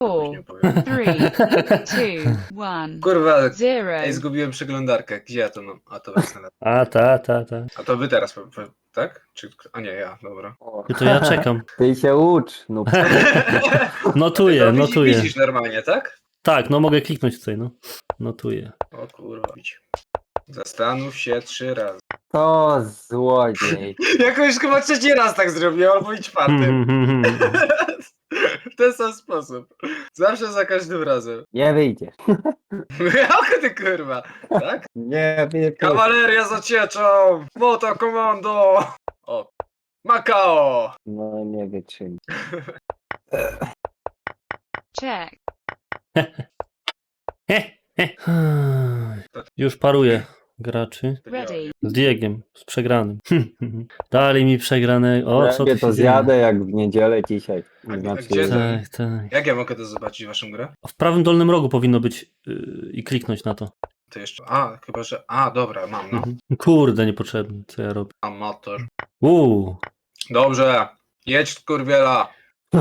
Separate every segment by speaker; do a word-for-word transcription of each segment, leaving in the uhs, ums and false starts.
Speaker 1: Four, three, two, one,
Speaker 2: Kurwa,
Speaker 1: zero.
Speaker 2: ej, zgubiłem przeglądarkę. Gdzie ja to mam? A to właśnie.
Speaker 3: A, ta, ta, ta.
Speaker 2: A to wy teraz, po- po- tak? Czy... A nie, ja, dobra.
Speaker 4: O,
Speaker 3: Ty to ja czekam.
Speaker 4: Ty się ucz, no.
Speaker 3: Notuję,
Speaker 2: To widzi-
Speaker 3: notuję.
Speaker 2: Widzisz normalnie, tak?
Speaker 3: Tak, no mogę kliknąć tutaj, no. Notuję.
Speaker 2: O kurwa, widź. Zastanów się trzy razy.
Speaker 4: To złodziej.
Speaker 2: Jakoś chyba trzeci raz tak zrobiłem, albo i czwarty.
Speaker 3: Hmm.
Speaker 2: W ten sam sposób. Zawsze za każdym razem.
Speaker 4: Nie wyjdziesz.
Speaker 2: Jak ty kurwa, tak?
Speaker 4: Nie wyjdziesz.
Speaker 2: Kawaleria z ocieczą! Moto komando! O. Makao!
Speaker 4: No nie wytrzymam.
Speaker 1: Check.
Speaker 3: Już paruję graczy.
Speaker 1: Ready.
Speaker 3: Z Diegiem, z przegranym. Dali mi przegrane. O, co tu
Speaker 4: Ja
Speaker 3: się
Speaker 4: to
Speaker 3: dzieje?
Speaker 4: zjadę jak w niedzielę dzisiaj.
Speaker 2: A
Speaker 4: Znaczy,
Speaker 2: gdzie to?
Speaker 3: Tak, tak.
Speaker 2: Jak ja mogę to zobaczyć waszą grę?
Speaker 3: W prawym dolnym rogu powinno być yy, i kliknąć na to.
Speaker 2: To jeszcze. A, chyba że. A, dobra, mam, no.
Speaker 3: Mhm. Kurde, niepotrzebne, co ja robię.
Speaker 2: Amator.
Speaker 3: Uuu.
Speaker 2: Dobrze. Jedź kurwiela.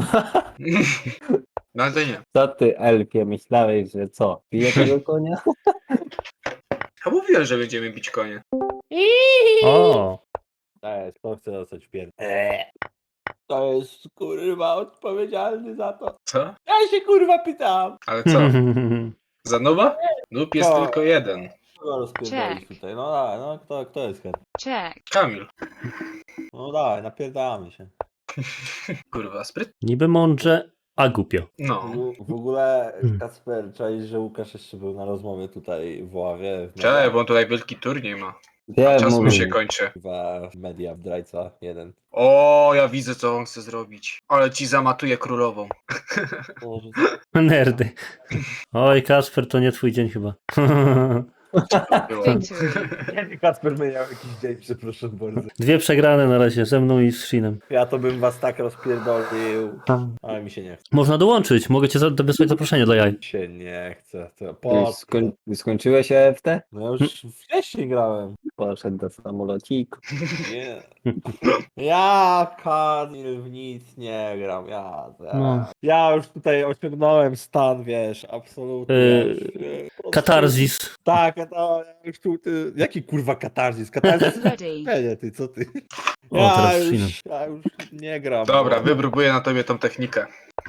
Speaker 2: No ale to nie.
Speaker 4: co ty, elfie, myślałeś, że co? Piję tego konia?
Speaker 2: A mówiłem, że będziemy bić konie.
Speaker 3: O.
Speaker 5: Ej, to chcę dostać w pier... Eee. To jest kurwa odpowiedzialny za to.
Speaker 2: Co?
Speaker 5: Ja się kurwa pytam.
Speaker 2: Ale co? Za nowa? Noob jest
Speaker 5: To.
Speaker 2: tylko jeden.
Speaker 5: Kogo rozpierdolić
Speaker 1: Check.
Speaker 5: tutaj? No dawaj, no kto, kto jest chętny?
Speaker 1: Check.
Speaker 2: Kamil.
Speaker 5: No dawaj, napierdalamy się.
Speaker 2: Kurwa, spryt.
Speaker 3: Niby mądrze, a głupio.
Speaker 2: No.
Speaker 5: W, w ogóle
Speaker 3: Hmm.
Speaker 5: Kacper, czaisz, że Łukasz jeszcze był na rozmowie tutaj w Ławie. W
Speaker 2: Cześć, bo on tutaj wielki turniej ma.
Speaker 4: Wiem,
Speaker 2: Czas mu
Speaker 4: mówię.
Speaker 2: się kończy.
Speaker 5: Chyba w media w Drajca jeden.
Speaker 2: O, ja widzę co on chce zrobić. Ale ci zamatuje królową.
Speaker 5: Może...
Speaker 3: Nerdy. Oj, Kasper, to nie twój dzień chyba.
Speaker 2: Było.
Speaker 1: Victory.
Speaker 5: Kacper miał jakiś dzień, przepraszam bardzo.
Speaker 3: Dwie przegrane na razie, ze mną i z Shinem.
Speaker 5: Ja to bym was tak rozpierdolił, ale mi się nie chce.
Speaker 3: Można dołączyć, mogę cię za- wysłać zaproszenie dla jaj.
Speaker 5: Mi się nie chce. To
Speaker 4: Ty
Speaker 5: po...
Speaker 4: skoń... Skończyłeś E F T?
Speaker 5: No już wcześniej grałem.
Speaker 4: Poszedł do samolociku.
Speaker 5: Nie. Ja, Kamil, w nic nie gram. Ja, ja,
Speaker 3: No.
Speaker 5: ja już tutaj osiągnąłem stan, wiesz, absolutnie.
Speaker 3: Yy,
Speaker 5: już, e, po prostu-
Speaker 3: Katarzis.
Speaker 5: Tak, to ja już tu, ty, jaki kurwa katarzis? Katarzis?
Speaker 1: Ready.
Speaker 5: Nie, ty, co ty?
Speaker 3: O,
Speaker 5: Ja
Speaker 3: teraz z Shinem.
Speaker 5: już, ja już nie gram.
Speaker 2: Dobra,
Speaker 5: bo
Speaker 2: wypróbuję na tobie tą technikę.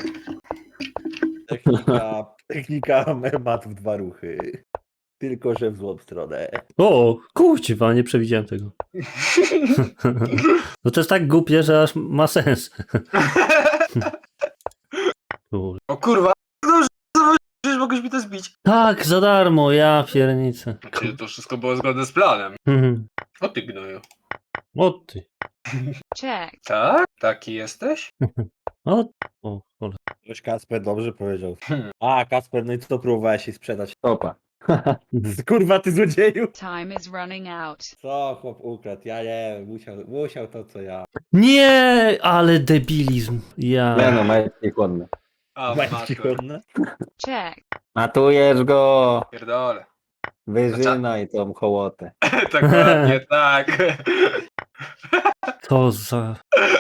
Speaker 5: Technika, technika memat w dwa ruchy. Tylko, że w złą stronę.
Speaker 3: O, kurczę, nie przewidziałem tego. No to jest tak głupie, że aż ma sens. Kur-
Speaker 2: O kurwa, no, przecież mogłeś mi to zbić.
Speaker 3: Tak, za darmo, ja piernicę.
Speaker 2: Czyli to wszystko było zgodne z planem.
Speaker 3: Mhm.
Speaker 2: O ty gnoju.
Speaker 3: O ty.
Speaker 1: Check.
Speaker 2: Tak? Taki jesteś?
Speaker 3: O, o, cholera.
Speaker 5: Coś Kasper dobrze powiedział.
Speaker 2: Hmm.
Speaker 5: A, Kasper, no i co próbowałeś jej sprzedać?
Speaker 4: Topa.
Speaker 3: Mhm.
Speaker 5: Kurwa, ty złodzieju!
Speaker 1: Time is running out.
Speaker 5: Co chłop ukradł? Ja nie wiem, musiał, musiał to co ja.
Speaker 3: Nie, ale debilizm. Ja.
Speaker 4: Nie no, majtki chłodne.
Speaker 2: A,
Speaker 5: Majtki
Speaker 2: matur.
Speaker 5: chłodne?
Speaker 1: Check.
Speaker 4: Matujesz go!
Speaker 2: Pierdolę.
Speaker 4: Wyżynaj tą hołotę.
Speaker 2: Tak ładnie, tak.
Speaker 3: To za...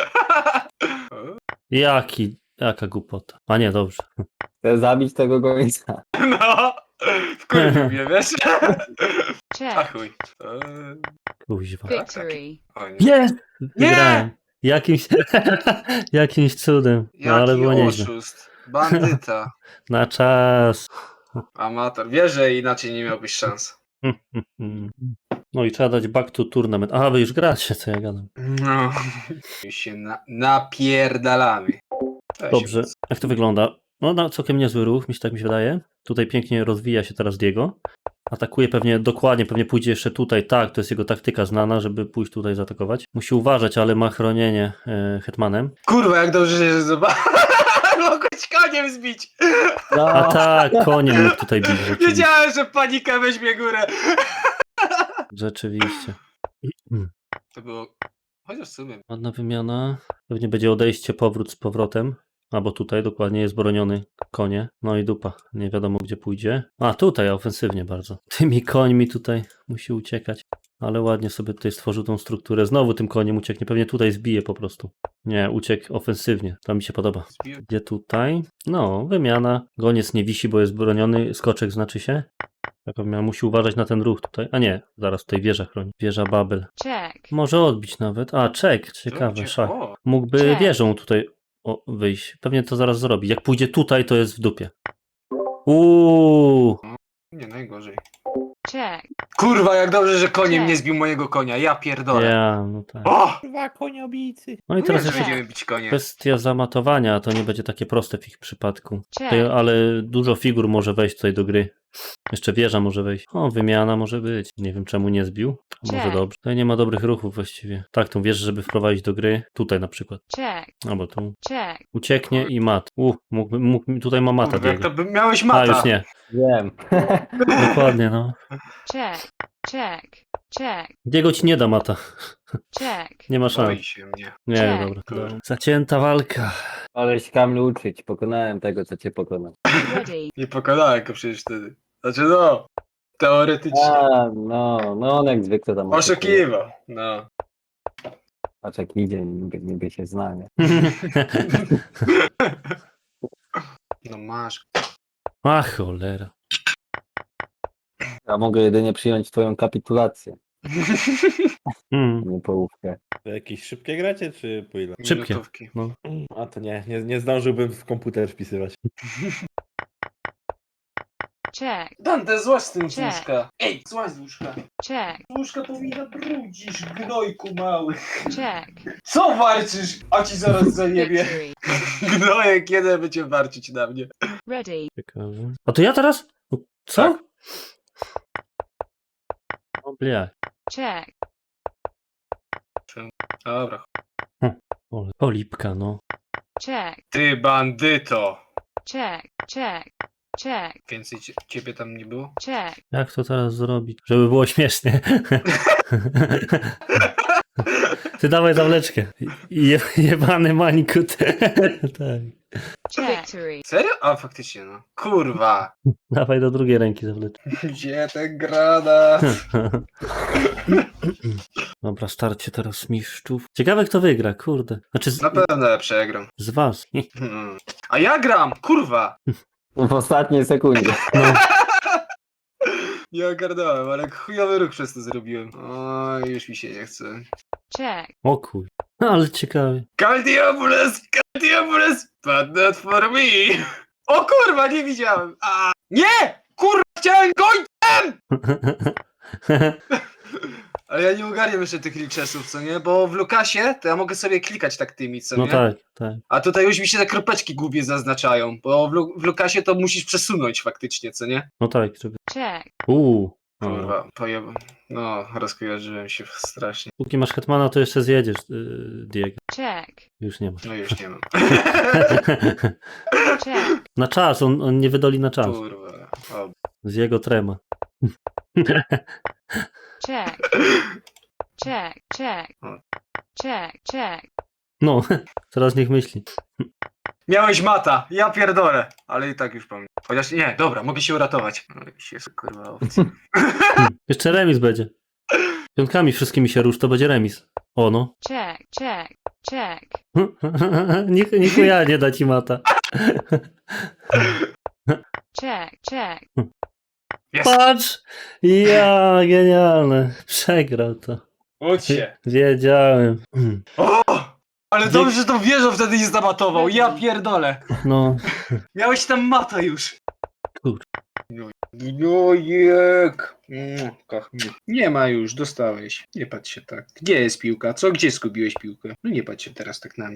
Speaker 3: Jaki, jaka głupota. A nie, dobrze.
Speaker 4: Chcę zabić tego gońca.
Speaker 2: No. Wkurwił mnie, wiesz? A
Speaker 1: Check.
Speaker 2: chuj. Eee,
Speaker 3: Kuźwa.
Speaker 1: Victory.
Speaker 2: O nie.
Speaker 3: Jest! Wygrałem. Jakimś, jakimś cudem. No ale było
Speaker 2: Jaki
Speaker 3: nieźle.
Speaker 2: oszust. Bandyta.
Speaker 3: Na czas.
Speaker 2: Amator. Wiesz, że inaczej nie miałbyś szans.
Speaker 3: No i trzeba dać back to tournament. Aha, wy już gracie, co ja gadam.
Speaker 2: No. Już się na, napierdalamy. Cześć.
Speaker 3: Dobrze, jak to wygląda? No, no całkiem niezły ruch, mi się tak mi się wydaje. Tutaj pięknie rozwija się teraz Diego. Atakuje pewnie dokładnie, pewnie pójdzie jeszcze tutaj. Tak, to jest jego taktyka znana, żeby pójść tutaj zaatakować. Musi uważać, ale ma chronienie e, hetmanem.
Speaker 2: Kurwa, jak dobrze się zobaczy. Mogłeś koniem zbić.
Speaker 3: A tak, koniem mógł tutaj bić. Rzeczywiście.
Speaker 2: Wiedziałem, że panika weźmie górę.
Speaker 3: rzeczywiście.
Speaker 2: To było... Chociaż w sumie...
Speaker 3: Ładna wymiana. Pewnie będzie odejście, powrót z powrotem. Albo tutaj dokładnie jest broniony konie. No i dupa. Nie wiadomo gdzie pójdzie. A tutaj ofensywnie bardzo. Tymi końmi tutaj musi uciekać. ale ładnie sobie tutaj stworzył tą strukturę. Znowu tym koniem ucieknie, pewnie tutaj zbije po prostu. Nie, uciekł ofensywnie, to mi się podoba.
Speaker 2: Zbił.
Speaker 3: Gdzie tutaj? No, wymiana. Goniec nie wisi, bo jest broniony, skoczek znaczy się. Taka wymiana, musi uważać na ten ruch tutaj. A nie, zaraz tutaj wieża chroni. Wieża Babel.
Speaker 1: Check.
Speaker 3: Może odbić nawet. A, czek, ciekawe,
Speaker 2: Ludzie,
Speaker 3: szach.
Speaker 2: o,
Speaker 3: Mógłby
Speaker 1: Check.
Speaker 3: wieżą tutaj o, wyjść. Pewnie to zaraz zrobi. Jak pójdzie tutaj, to jest w dupie. Uuu.
Speaker 2: Nie najgorzej.
Speaker 1: Check.
Speaker 2: Kurwa, jak dobrze, że koniem
Speaker 1: Nie.
Speaker 2: nie zbił mojego konia. Ja pierdolę.
Speaker 3: Ja, no tak.
Speaker 2: O!
Speaker 5: Kurwa, koniobijcy.
Speaker 3: No i
Speaker 2: Teraz
Speaker 3: teraz
Speaker 2: że
Speaker 3: jeszcze
Speaker 2: będziemy bić konie.
Speaker 3: kwestia zamatowania, to nie będzie takie proste w ich przypadku. Tutaj,
Speaker 1: Check.
Speaker 3: ale dużo figur może wejść tutaj do gry. Jeszcze wieża może wejść. O, wymiana może być. Nie wiem czemu nie zbił. A może
Speaker 1: Check.
Speaker 3: dobrze. Tutaj nie ma dobrych ruchów właściwie. Tak, tą wieżę, żeby wprowadzić do gry. Tutaj na przykład.
Speaker 1: Check.
Speaker 3: Albo tu.
Speaker 1: Check.
Speaker 3: Ucieknie i mat. U, mógłby, mógł, tutaj ma mata.
Speaker 2: Kurwa, jak
Speaker 3: Diego.
Speaker 2: to by miałeś
Speaker 3: A,
Speaker 2: mata.
Speaker 3: już nie.
Speaker 4: Wiem.
Speaker 3: Dokładnie, no.
Speaker 1: Check. Check. Check.
Speaker 3: Diego ci nie da mata.
Speaker 1: Check.
Speaker 3: Nie ma szans.
Speaker 2: Boi się mnie.
Speaker 3: Nie,
Speaker 1: Check.
Speaker 3: dobra.
Speaker 2: Kurde.
Speaker 3: Zacięta walka.
Speaker 4: Aleś Kamil uczyć. Pokonałem tego, co cię pokonał.
Speaker 1: Ready.
Speaker 2: Nie pokonałem go przecież wtedy. Znaczy no, teoretycznie.
Speaker 4: A, no, no on jak zwykle tam
Speaker 2: Oszukiwał. No.
Speaker 4: Patrz jak idzie, niby, niby się zna, nie?
Speaker 2: No masz.
Speaker 3: A cholera.
Speaker 4: Ja mogę jedynie przyjąć twoją kapitulację,
Speaker 3: Mm.
Speaker 4: nie połówkę.
Speaker 5: To jakieś szybkie gracie, czy po ile?
Speaker 3: Szybkie.
Speaker 2: Minutówki.
Speaker 5: A to nie, nie, nie zdążyłbym w komputer wpisywać.
Speaker 1: Check.
Speaker 2: Dante, złaź z tym z
Speaker 1: Check.
Speaker 2: łóżka. Ej, złaź z łóżka.
Speaker 1: Check.
Speaker 2: Z łóżka powinna brudzisz, gnojku mały.
Speaker 1: Check.
Speaker 2: Co warczysz? A ci zaraz zajebie.
Speaker 1: Victory.
Speaker 2: Gnojek, kiedy będzie warczyć na mnie?
Speaker 1: Ready.
Speaker 3: Ciekawe. A to ja teraz? Co?
Speaker 2: Tak.
Speaker 3: O blia.
Speaker 1: Check.
Speaker 2: Dobra.
Speaker 3: O, polipka, no.
Speaker 1: Check.
Speaker 2: Ty bandyto.
Speaker 1: Check. Check. Check.
Speaker 2: Więcej cie- ciebie tam nie było?
Speaker 1: Check.
Speaker 3: Jak to teraz zrobić? Żeby było śmiesznie. Ty dawaj zawleczkę. Je, jebany mańkut. Tak.
Speaker 1: Check. Victory.
Speaker 2: Serio? A, faktycznie no. Kurwa.
Speaker 3: Dawaj do drugiej ręki zawleczkę.
Speaker 2: Gdzie ten granat?
Speaker 3: Dobra, starcie teraz mistrzów. Ciekawe kto wygra, kurde. Znaczy z,
Speaker 2: Na pewno ja przegram.
Speaker 3: z was.
Speaker 2: Hmm. A ja gram, kurwa.
Speaker 4: W ostatniej sekundzie.
Speaker 3: No.
Speaker 2: Nie ogarnąłem, ale chujowy ruch przez to zrobiłem. Oj, już mi się nie chce.
Speaker 1: Check.
Speaker 3: O kuj. No, ale ciekawie.
Speaker 2: Caldiobules, Caldiobules, but not for me. O kurwa, nie widziałem. A, nie! Kurwa, chciałem gońcem! Ale ja nie ogarniam jeszcze tych liczesów, co nie? Bo w Lukasie to ja mogę sobie klikać tak tymi, co
Speaker 3: No
Speaker 2: nie?
Speaker 3: tak, tak.
Speaker 2: A tutaj już mi się te kropeczki głupie zaznaczają, bo w, Lu- w Lukasie to musisz przesunąć faktycznie, co nie?
Speaker 3: No tak, żeby...
Speaker 1: Check.
Speaker 3: Uuu. No.
Speaker 2: Kurwa, pojeb... No, rozkojarzyłem się strasznie.
Speaker 3: Póki masz hetmana, to jeszcze zjedziesz, yy, Diego.
Speaker 1: Check.
Speaker 3: Już nie ma.
Speaker 2: No już nie mam.
Speaker 1: Check.
Speaker 3: Na czas, on, on nie wydoli na czas.
Speaker 2: Kurwa. O,
Speaker 3: Z jego trema.
Speaker 1: Check. Check. Check. Check. Check.
Speaker 3: No, teraz niech myśli.
Speaker 2: miałeś mata, ja pierdolę. Ale i tak już pamiętam. Chociaż nie, dobra, mogę się uratować. No i się kurwa owce.
Speaker 3: Jeszcze remis będzie. Piątkami wszystkimi się rusz, to będzie remis. O no.
Speaker 1: Check. Check. Check.
Speaker 3: Niech, niech ja nie da ci mata.
Speaker 1: Check. Check.
Speaker 2: Jest.
Speaker 3: Patrz! Ja, genialne. Przegrał to.
Speaker 2: Ucz się.
Speaker 3: Wiedziałem.
Speaker 2: O! Ale dobrze, że tą wieżą wtedy nie zamatował. Ja pierdolę.
Speaker 3: No,
Speaker 2: Miałeś tam mata już.
Speaker 3: Kur-
Speaker 2: Gnojek. Mm, koch mnie. Nie ma już, dostałeś. Nie patrz się tak. Gdzie jest piłka? Co? Gdzie zgubiłeś piłkę? No nie patrz się teraz tak na mnie.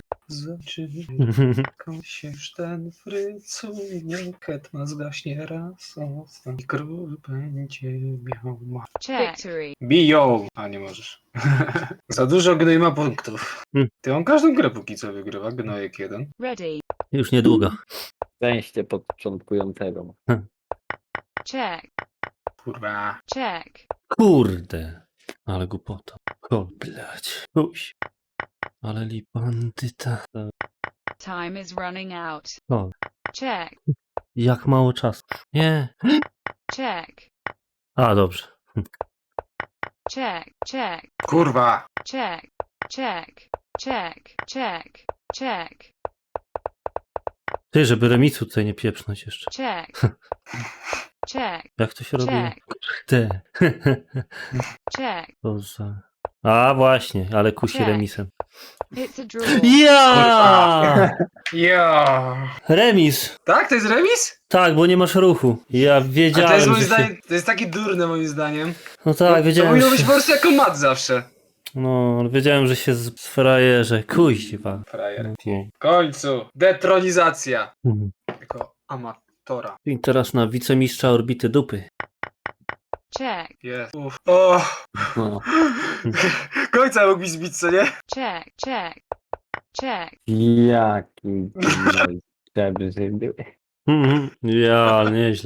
Speaker 2: Zaczyna się już ten frycunie. Hetman zgaśnie raz. Ostatni król będzie miał ma.
Speaker 1: Check. Victory.
Speaker 2: Biją! A nie możesz. Za dużo gnoj ma punktów.
Speaker 3: Hmm.
Speaker 2: Ty on każdą grę póki co wygrywa. Gnojek jeden.
Speaker 1: Ready.
Speaker 3: Już niedługo.
Speaker 4: Szczęście początkującego.
Speaker 1: Check.
Speaker 2: Kurwa.
Speaker 1: Check.
Speaker 3: Kurde. Ale głupota. Kol, blać. Uś. Ale li bandyta.
Speaker 1: Time is running out.
Speaker 3: O,
Speaker 1: Check.
Speaker 3: jak mało czasu. Nie.
Speaker 1: Check.
Speaker 3: A, dobrze.
Speaker 1: check, check,
Speaker 2: Kurwa.
Speaker 1: check, check, check, check, check,
Speaker 3: Ty, żeby remisu tutaj nie pieprznąć jeszcze.
Speaker 1: check, check,
Speaker 3: Jak to się robi?
Speaker 1: check,
Speaker 3: Ty.
Speaker 1: check.
Speaker 3: To za... A właśnie, ale kusi
Speaker 1: Check.
Speaker 3: remisem.
Speaker 1: It's a draw.
Speaker 3: Ja!
Speaker 2: Ja.
Speaker 3: Remis!
Speaker 2: Tak, to jest remis?
Speaker 3: Tak, bo nie masz ruchu. Ja
Speaker 2: A to jest
Speaker 3: wiedziałem,
Speaker 2: moim
Speaker 3: że się...
Speaker 2: zdaniem, to jest takie durne moim zdaniem.
Speaker 3: No tak,
Speaker 2: To
Speaker 3: wiedziałem,
Speaker 2: powinno
Speaker 3: że...
Speaker 2: być po prostu jako mat zawsze.
Speaker 3: No, ale wiedziałem, że się sfrajerze. Kuźwa.
Speaker 2: Frajer.
Speaker 3: No.
Speaker 2: W końcu. Detronizacja.
Speaker 3: Mhm.
Speaker 2: Jako amatora.
Speaker 3: I teraz na wicemistrza orbity dupy.
Speaker 1: Check,
Speaker 2: Jest. Uff. O.
Speaker 4: No.
Speaker 2: Końca mógł mi zbić, co nie?
Speaker 1: check, check, check.
Speaker 4: Jaki gnoj przebrzydy.
Speaker 3: Mhm. Ja, nieźle.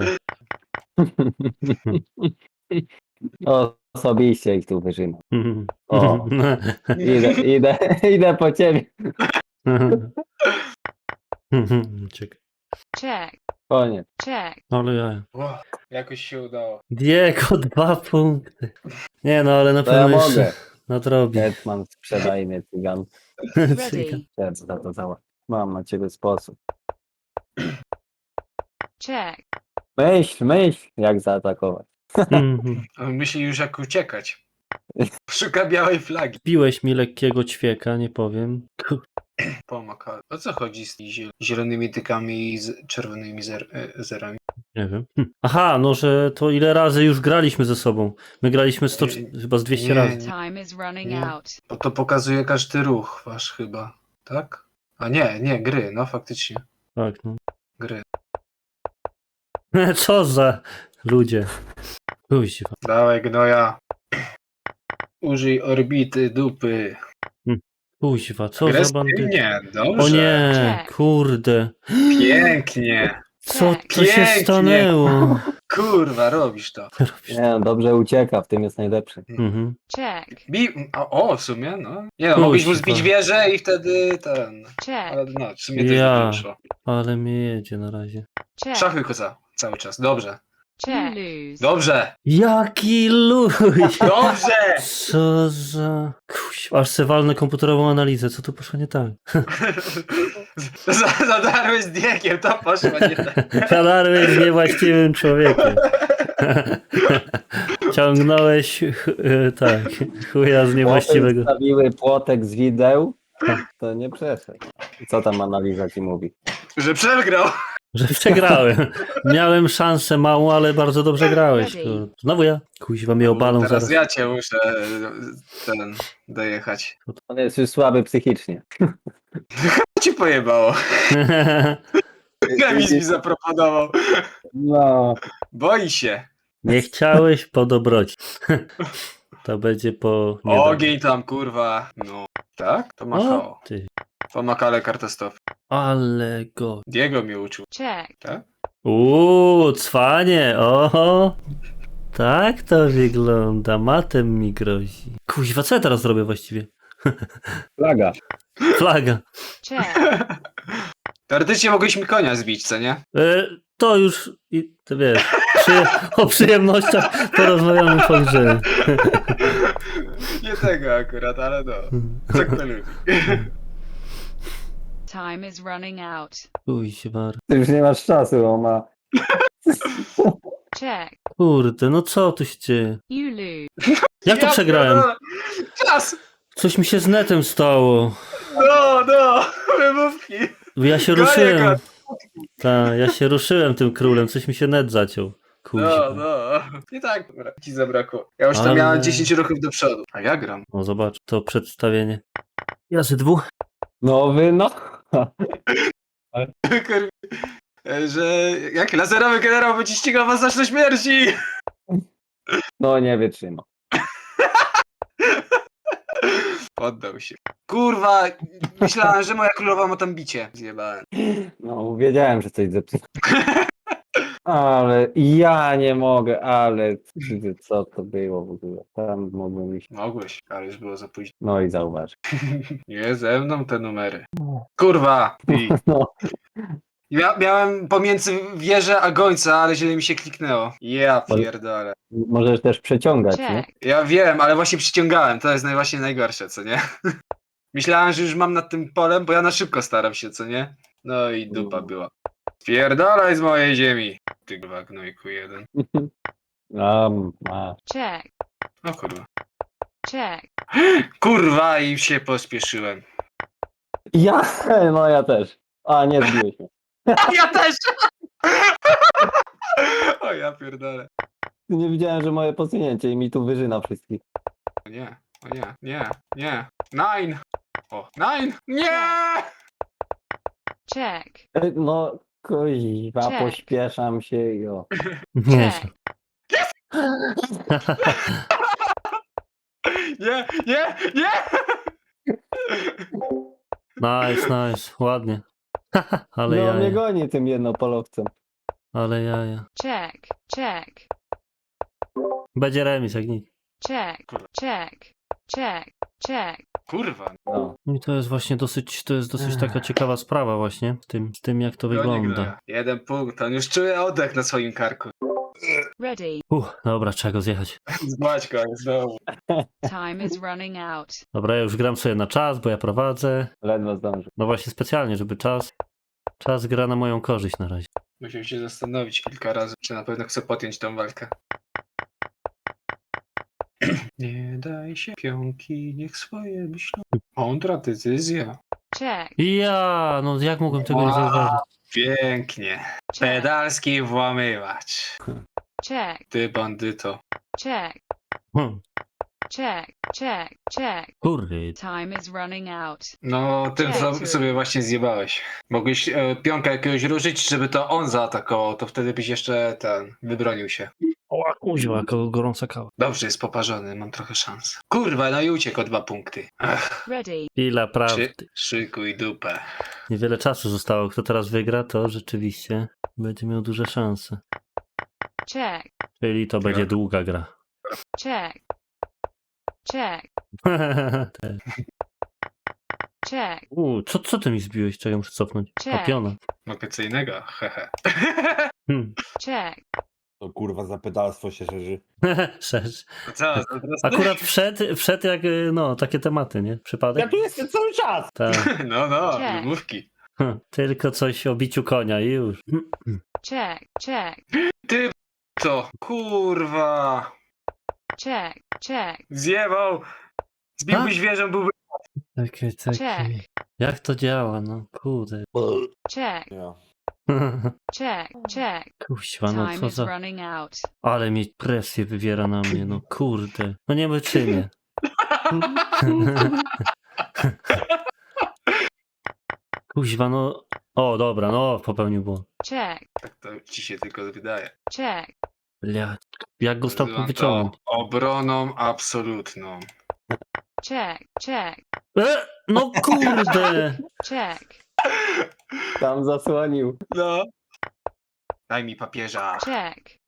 Speaker 4: Osobiście ich tu wyżynam.
Speaker 3: Mhm.
Speaker 4: O. Idę, idę, idę po ciebie.
Speaker 3: Mhm. Czekaj.
Speaker 1: Check,
Speaker 4: Koniec.
Speaker 1: check,
Speaker 3: Ale ja...
Speaker 2: O, jakoś się udało.
Speaker 3: Diego, dwa punkty. Nie no, ale na
Speaker 4: To ja
Speaker 3: pewno jeszcze
Speaker 4: mogę.
Speaker 3: nadrobi.
Speaker 4: Hetman, sprzedaj mnie cygan.
Speaker 1: ready,
Speaker 4: Chcę za to załatwić. Mam na ciebie sposób.
Speaker 1: check,
Speaker 4: Myśl, myśl, jak zaatakować.
Speaker 3: Mhm.
Speaker 2: On myśli już jak uciekać. Szuka białej flagi.
Speaker 3: Piłeś mi lekkiego ćwieka, nie powiem. Ku-
Speaker 2: Pomaka. O co chodzi z tymi ziel- zielonymi tykami i z czerwonymi zer e, zerami?
Speaker 3: Nie wiem. Hm. Aha, no że to ile razy już graliśmy ze sobą. My graliśmy sto,
Speaker 2: Nie,
Speaker 3: chyba z dwieście
Speaker 2: nie,
Speaker 3: razy.
Speaker 1: time is running
Speaker 2: Nie.
Speaker 1: out.
Speaker 2: Bo to pokazuje każdy ruch wasz chyba. Tak? A nie, nie, gry, no faktycznie.
Speaker 3: Tak, no.
Speaker 2: Gry.
Speaker 3: Co za ludzie. Kuźwa.
Speaker 2: Dawaj gnoja. Użyj orbity dupy.
Speaker 3: Kuźwa, co za bandyta.
Speaker 2: Agresywnie, dobrze.
Speaker 3: O nie,
Speaker 1: Check.
Speaker 3: kurde.
Speaker 2: Pięknie.
Speaker 3: Co to się
Speaker 2: Pięknie.
Speaker 3: stanęło?
Speaker 2: Kurwa, robisz to.
Speaker 4: Nie, no, dobrze ucieka, w tym jest najlepszy.
Speaker 3: Mhm.
Speaker 1: Check,
Speaker 2: Bi o, o, w sumie, no. Nie no, mogliśmy
Speaker 3: Kuźwa.
Speaker 2: zbić wieżę i wtedy ten... Ale
Speaker 1: check,
Speaker 2: no, w sumie też
Speaker 3: Ja.
Speaker 2: nie wyszło.
Speaker 3: Ale mnie jedzie na razie.
Speaker 1: check,
Speaker 2: Szachy koza, cały czas. Dobrze.
Speaker 1: you lose.
Speaker 2: Dobrze.
Speaker 3: Jaki luj!
Speaker 2: Dobrze!
Speaker 3: Co za... Kuźwa, aż se walnę komputerową analizę, co tu poszło nie tak?
Speaker 2: Za- Zadarłeś z Diegiem, to poszło nie tak.
Speaker 3: Zadarłeś z niewłaściwym człowiekiem. Ciągnąłeś, ch- e, tak, chuja z niewłaściwego.
Speaker 4: Stawiły płotek z wideł, to nie przeszedł. Co tam analiza ci mówi?
Speaker 2: Że przegrał.
Speaker 3: Że przegrałem. Miałem szansę małą, ale bardzo dobrze grałeś. Kurde. Znowu ja. Kuźwa mnie obalą
Speaker 2: Teraz
Speaker 3: zaraz.
Speaker 2: ja cię muszę ten dojechać.
Speaker 4: On jest już słaby psychicznie.
Speaker 2: Co ci pojebało? Remis mi zaproponował.
Speaker 4: No,
Speaker 2: Boi się.
Speaker 3: Nie chciałeś po dobroci. To będzie po... nie
Speaker 2: Ogień tam, kurwa. No. Tak? To
Speaker 3: dobrze.
Speaker 2: machało.
Speaker 3: O, ty.
Speaker 2: To makale kartostop.
Speaker 3: Ale go...
Speaker 2: Diego mnie uczył.
Speaker 1: Check,
Speaker 2: Tak?
Speaker 3: Uuu, cwanie, oho. Tak to wygląda, matem mi grozi. Kuźwa, co ja teraz zrobię właściwie?
Speaker 4: flaga.
Speaker 3: Flaga.
Speaker 1: check,
Speaker 2: Teoretycznie mogłeś mi konia zbić, co nie?
Speaker 3: E, to już, i, ty wiesz, przy, o przyjemnościach porozmawiamy po grze.
Speaker 2: Nie tego akurat, ale no. Co kto lubi.
Speaker 1: time is running out.
Speaker 3: Kuźwa.
Speaker 4: Ty już nie masz czasu, on ma...
Speaker 1: Check,
Speaker 3: Kurde, no co tu się dzieje?
Speaker 1: you lose.
Speaker 3: Jak to
Speaker 2: Ja
Speaker 3: przegrałem?
Speaker 2: pierdolę. Czas!
Speaker 3: Coś mi się z netem stało.
Speaker 2: No, no! Wymówki!
Speaker 3: Ja się
Speaker 2: Gonię
Speaker 3: ruszyłem.
Speaker 2: go.
Speaker 3: Tak, ja się ruszyłem tym królem, coś mi się net zaciął.
Speaker 2: No,
Speaker 3: Kuźwa.
Speaker 2: no. I tak ci zabrakło. Ja już tam
Speaker 3: Ale-
Speaker 2: miałem dziesięć ruchów do przodu. A ja gram.
Speaker 3: O, zobacz, to przedstawienie. Ja ze dwóch.
Speaker 4: Nowy, no.
Speaker 2: Kur- Że jak laserowy generał będzie ścigał was aż do śmierci!
Speaker 4: No nie wytrzyma.
Speaker 2: Poddał się. Kurwa, myślałem, że moja królowa ma tam bicie. Zjebałem.
Speaker 4: No, wiedziałem, że coś zepsuł. Ale ja nie mogę, ale co to było w ogóle? Tam mogłem iść.
Speaker 2: Mogłeś, ale już było za późno.
Speaker 4: No i zauważ.
Speaker 2: Nie ze mną te numery. Kurwa! I
Speaker 4: No,
Speaker 2: Ja miałem pomiędzy wieżę a gońca, ale źle mi się kliknęło. Ja pierdolę.
Speaker 4: Możesz też przeciągać, nie?
Speaker 1: Check.
Speaker 2: Ja wiem, ale właśnie przyciągałem, to jest naj- właśnie najgorsze, co nie? Myślałem, że już mam nad tym polem, bo ja na szybko staram się, co nie? No i dupa była. Pierdolaj z mojej ziemi. Ty kurwa gnojku jeden.
Speaker 4: A, ma.
Speaker 1: Check.
Speaker 2: O kurwa.
Speaker 1: Check.
Speaker 2: Kurwa i się pospieszyłem.
Speaker 4: Ja, no ja też. A, nie zbiłeś mnie.
Speaker 2: Ja też! O ja pierdolę.
Speaker 4: Nie widziałem, że moje posunięcie i mi tu wyżyna wszystkich.
Speaker 2: O nie, o nie, nie, nie. Nine! O, nine! Nie!
Speaker 1: Check.
Speaker 4: E, No, kuźwa,
Speaker 1: Check.
Speaker 4: pośpieszam się i o.
Speaker 3: Nie.
Speaker 1: Check.
Speaker 2: Nie, nie, nie!
Speaker 3: Nice, nice, ładnie. Ale
Speaker 4: No, mnie
Speaker 3: jaja,
Speaker 4: goni tym jednopolowcem.
Speaker 3: ale jaja.
Speaker 1: Check. Check.
Speaker 3: Będzie remis jak nic.
Speaker 1: Check. Check. Check. Check.
Speaker 2: Kurwa.
Speaker 4: No.
Speaker 3: No i to jest właśnie dosyć, to jest dosyć taka ciekawa sprawa właśnie, z tym, z tym jak to
Speaker 2: Gonię
Speaker 3: wygląda.
Speaker 2: gnoja. Jeden punkt, on już czuje oddech na swoim karku.
Speaker 1: Ready.
Speaker 3: Uff, dobra, trzeba go zjechać.
Speaker 2: Zbać go, znowu.
Speaker 1: Time is running out.
Speaker 3: Dobra, ja już gram sobie na czas, bo ja prowadzę.
Speaker 4: Ledwo zdążył.
Speaker 3: No właśnie specjalnie, żeby czas, czas gra na moją korzyść na razie.
Speaker 2: Musiał się zastanowić kilka razy, czy na pewno chce podjąć tą walkę. Nie daj się pionki, niech swoje myślą. Mądra decyzja.
Speaker 1: Check.
Speaker 3: Ja, no jak mogłem tego nie
Speaker 2: Wow.
Speaker 3: zauważyć?
Speaker 2: Pięknie.
Speaker 1: Check.
Speaker 2: Pedalski włamywacz.
Speaker 1: Check.
Speaker 2: Ty bandyto.
Speaker 1: Check.
Speaker 3: Hmm,
Speaker 1: Check. Check. Check.
Speaker 3: kurde.
Speaker 1: Time is running out.
Speaker 2: No, tym co
Speaker 1: Cześć.
Speaker 2: sobie właśnie zjebałeś. Mogłeś e, pionka jakiegoś ruszyć, żeby to on zaatakował, to wtedy byś jeszcze ten, wybronił się.
Speaker 3: O, kuźwa, jaka gorąca kawa.
Speaker 2: Dobrze, jest poparzony, mam trochę szans. Kurwa, no i uciekł o dwa punkty. Ech,
Speaker 1: Ready.
Speaker 3: Chwila
Speaker 2: szy,
Speaker 3: prawdy.
Speaker 2: szykuj dupę.
Speaker 3: Niewiele czasu zostało. Kto teraz wygra, to rzeczywiście będzie miał duże szanse.
Speaker 1: Check.
Speaker 3: Czyli to będzie długa gra.
Speaker 1: Check. Check.
Speaker 3: Te.
Speaker 1: Check.
Speaker 3: U, co, co ty mi zbiłeś? Czego muszę cofnąć? A
Speaker 1: Check.
Speaker 3: piona.
Speaker 2: Mogę co innego, hehe.
Speaker 3: Hmm.
Speaker 1: Check.
Speaker 5: To kurwa za pedalstwo się szerzy.
Speaker 3: Szerz.
Speaker 2: No co, to teraz...
Speaker 3: Akurat wszedł, wszedł jak, y, no, takie tematy, nie? Przypadek?
Speaker 5: Ja tu jestem cały czas!
Speaker 3: Tak.
Speaker 2: No, no,
Speaker 1: Check.
Speaker 2: wymówki.
Speaker 3: Tylko coś o biciu konia i już.
Speaker 1: Check. Check.
Speaker 2: Ty co? Kurwa.
Speaker 1: Check. Check.
Speaker 2: Zjebał. Zbiłbyś wieżę, byłby...
Speaker 3: Takie, takie.
Speaker 1: Check.
Speaker 3: Jak to działa, no kurde.
Speaker 1: Check.
Speaker 5: Ja.
Speaker 1: Check. Check.
Speaker 3: Kuźwa, no
Speaker 1: Time
Speaker 3: co
Speaker 1: is
Speaker 3: za...
Speaker 1: running out.
Speaker 3: Ale mi presję wywiera na mnie, no kurde. No nie wyczynię. Kuźwa, no... O, dobra, no popełnił błąd.
Speaker 1: Check.
Speaker 2: Tak to ci się tylko wydaje.
Speaker 1: Check.
Speaker 3: Blia, jak go stamtąd
Speaker 2: Nazywam
Speaker 3: wyciągnąć?
Speaker 2: to obroną absolutną.
Speaker 1: Check. Check.
Speaker 3: E, no kurde!
Speaker 1: Check.
Speaker 4: Tam zasłonił.
Speaker 2: No. Daj mi papieża.
Speaker 1: Check.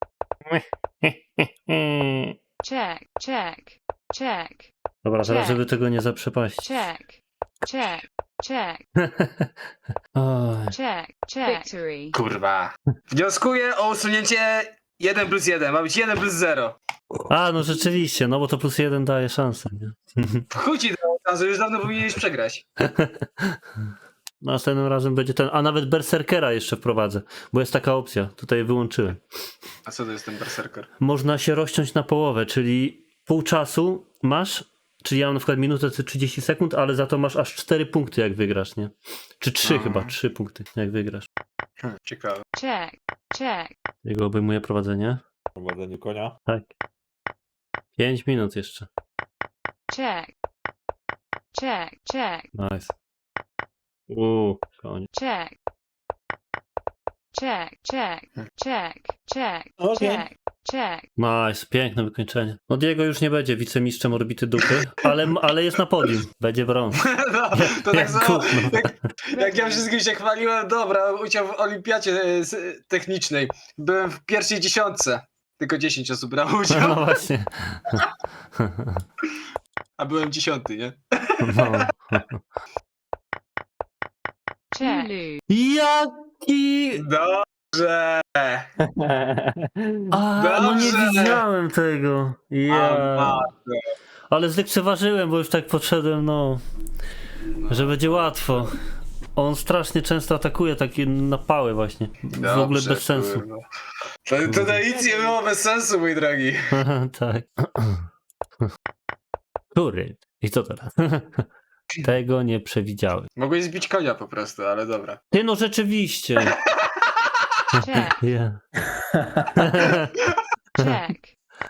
Speaker 1: Check. Check. Check.
Speaker 3: Dobra, teraz
Speaker 1: Check.
Speaker 3: żeby tego nie zaprzepaścić.
Speaker 1: Check. Check. Check.
Speaker 3: Oj.
Speaker 1: Check. Check. Victory.
Speaker 2: Kurwa. Wnioskuję o usunięcie jeden plus jeden. Ma być jeden plus zero.
Speaker 3: A, no rzeczywiście, no bo to plus jeden daje szansę, nie?
Speaker 2: Chuj ci dało szansę, już dawno powinieneś przegrać.
Speaker 3: Następnym razem będzie ten, a nawet Berserkera jeszcze wprowadzę, bo jest taka opcja, tutaj wyłączyłem.
Speaker 2: A co to jest ten berserker?
Speaker 3: Można się rozciąć na połowę, czyli pół czasu masz, czyli ja mam na przykład minutę czy trzydzieści sekund, ale za to masz aż cztery punkty jak wygrasz, nie? Czy trzy
Speaker 2: Aha.
Speaker 3: chyba, trzy punkty jak wygrasz.
Speaker 2: Hm, ciekawe.
Speaker 1: Check. Check.
Speaker 3: Jego obejmuje prowadzenie.
Speaker 5: Prowadzenie konia.
Speaker 3: Tak. Pięć minut jeszcze.
Speaker 1: Check. Check. Check.
Speaker 3: Nice. Uuu, koniec.
Speaker 1: Check. Check. Check. Check. Check.
Speaker 5: Okej.
Speaker 1: Check. Check.
Speaker 3: Nice, piękne wykończenie. No Diego już nie będzie wicemistrzem orbity dupy, ale, ale jest na podium. Będzie brąz.
Speaker 2: No, to tak
Speaker 3: Jak
Speaker 2: samo,
Speaker 3: gówno.
Speaker 2: jak, jak ja wszystkim się chwaliłem, dobra, udział w olimpiadzie e, s- technicznej. Byłem w pierwszej dziesiątce. Tylko dziesięć osób brało
Speaker 3: No
Speaker 2: udział,
Speaker 3: właśnie.
Speaker 2: a byłem dziesiąty, nie?
Speaker 3: No.
Speaker 1: check,
Speaker 3: Jaki...
Speaker 2: Dobrze!
Speaker 3: A, no nie
Speaker 2: Dobrze.
Speaker 3: widziałem tego. Ja. Ale zlekceważyłem, bo już tak podszedłem, no, że będzie łatwo. On strasznie często atakuje takie napały właśnie. W ogóle
Speaker 2: Dobrze,
Speaker 3: bez sensu.
Speaker 2: kurwa. To, tutaj nic nie było bez sensu, mój drogi.
Speaker 3: Tak. Kury. I co teraz? Tego nie przewidziałem.
Speaker 2: Mogłeś zbić konia po prostu, ale dobra.
Speaker 3: Ty no rzeczywiście.
Speaker 1: check,
Speaker 3: Ja.
Speaker 1: check,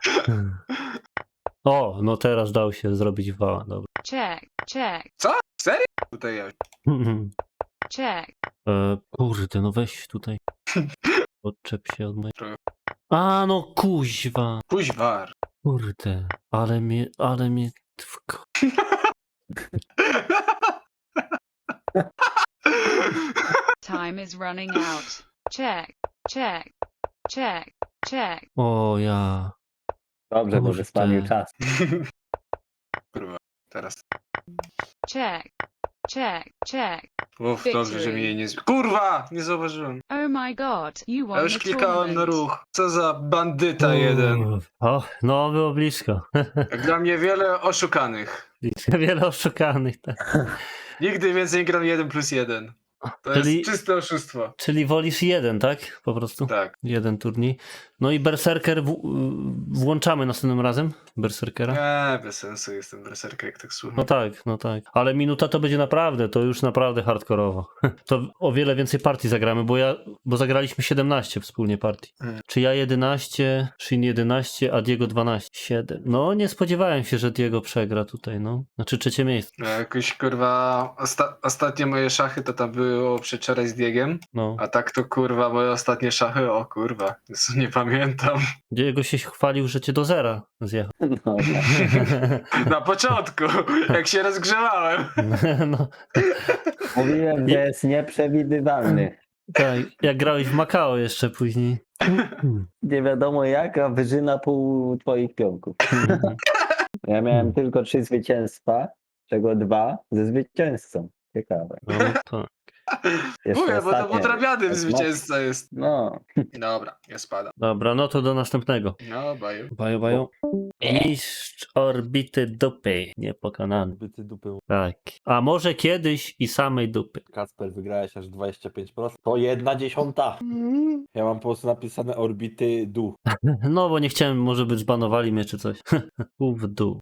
Speaker 3: O, no teraz dał się zrobić wała, dobra.
Speaker 1: check, check,
Speaker 2: Serio? Tutaj ja.
Speaker 1: check,
Speaker 3: E, kurde, no weź tutaj. Odczep się od mojej...
Speaker 2: Trochę.
Speaker 3: A, no kuźwa.
Speaker 2: Kuźwar.
Speaker 3: Kurde, ale mnie, ale mnie... wko-
Speaker 1: time is running out, check, check, check, check,
Speaker 3: O ja.
Speaker 4: Dobrze, bo
Speaker 3: Kurde.
Speaker 4: wyspanił czas.
Speaker 2: Kurwa, teraz.
Speaker 1: check, check, check.
Speaker 2: Uff,
Speaker 1: Victory.
Speaker 2: dobrze, że mi jej nie zbił. Kurwa! Nie zauważyłem.
Speaker 1: Oh my god, you won
Speaker 2: Ja już
Speaker 1: the
Speaker 2: klikałem na
Speaker 1: tournament.
Speaker 2: ruch. Co za bandyta jeden.
Speaker 3: Uff. O, no było blisko.
Speaker 2: Jak dla mnie wiele oszukanych.
Speaker 3: Blisko. Wiele oszukanych. Tak.
Speaker 2: Nigdy więcej nie gram jeden plus jeden. To
Speaker 3: Czyli-
Speaker 2: jest czyste oszustwo.
Speaker 3: Czyli wolisz jeden, tak? Po prostu?
Speaker 2: Tak.
Speaker 3: Jeden turniej. No i Berserker w, włączamy następnym razem? Berserkera?
Speaker 2: Nie, bez sensu jestem berserker, jak tak słucham.
Speaker 3: No tak, no tak. Ale minuta to będzie naprawdę, to już naprawdę hardkorowo. To o wiele więcej partii zagramy, bo ja, bo zagraliśmy siedemnaście wspólnie partii.
Speaker 2: Mm.
Speaker 3: Czy ja jedenaście, Shin jedenaście, a Diego dwanaście. siedem. No nie spodziewałem się, że Diego przegra tutaj, no. Znaczy trzecie miejsce.
Speaker 2: No, jakoś kurwa, osta- ostatnie moje szachy to tam było przedwczoraj z Diegiem,
Speaker 3: No.
Speaker 2: a tak to kurwa moje ostatnie szachy, o kurwa, Jezu, nie pamiętam.
Speaker 3: Diego się chwalił, że cię do zera zjechał.
Speaker 4: No,
Speaker 2: Na początku, jak się rozgrzewałem.
Speaker 3: No,
Speaker 4: mówiłem, że jest nieprzewidywalny.
Speaker 3: tak, jak grałeś w Macao jeszcze później.
Speaker 4: Nie wiadomo jaka wyżyna pół twoich pionków. Ja miałem tylko trzy zwycięstwa, czego dwa ze zwycięzcą. Ciekawe.
Speaker 3: No to.
Speaker 4: Jeszcze
Speaker 2: Mówię, bo to
Speaker 4: ostatnie.
Speaker 2: podrabiany
Speaker 4: jest
Speaker 2: zwycięzca jest.
Speaker 4: No,
Speaker 2: Dobra, ja spadam.
Speaker 3: Dobra, no to do następnego.
Speaker 2: No, baju.
Speaker 3: Baju, baju. Mistrz orbity dupy, niepokonany.
Speaker 5: Byty dupy.
Speaker 3: Tak. A może kiedyś i samej dupy.
Speaker 5: Kacper, wygrałeś aż dwadzieścia pięć procent. To jedna dziesiąta. Ja mam po prostu napisane orbity du.
Speaker 3: No bo nie chciałem, może by zbanowali mnie czy coś. U w dół.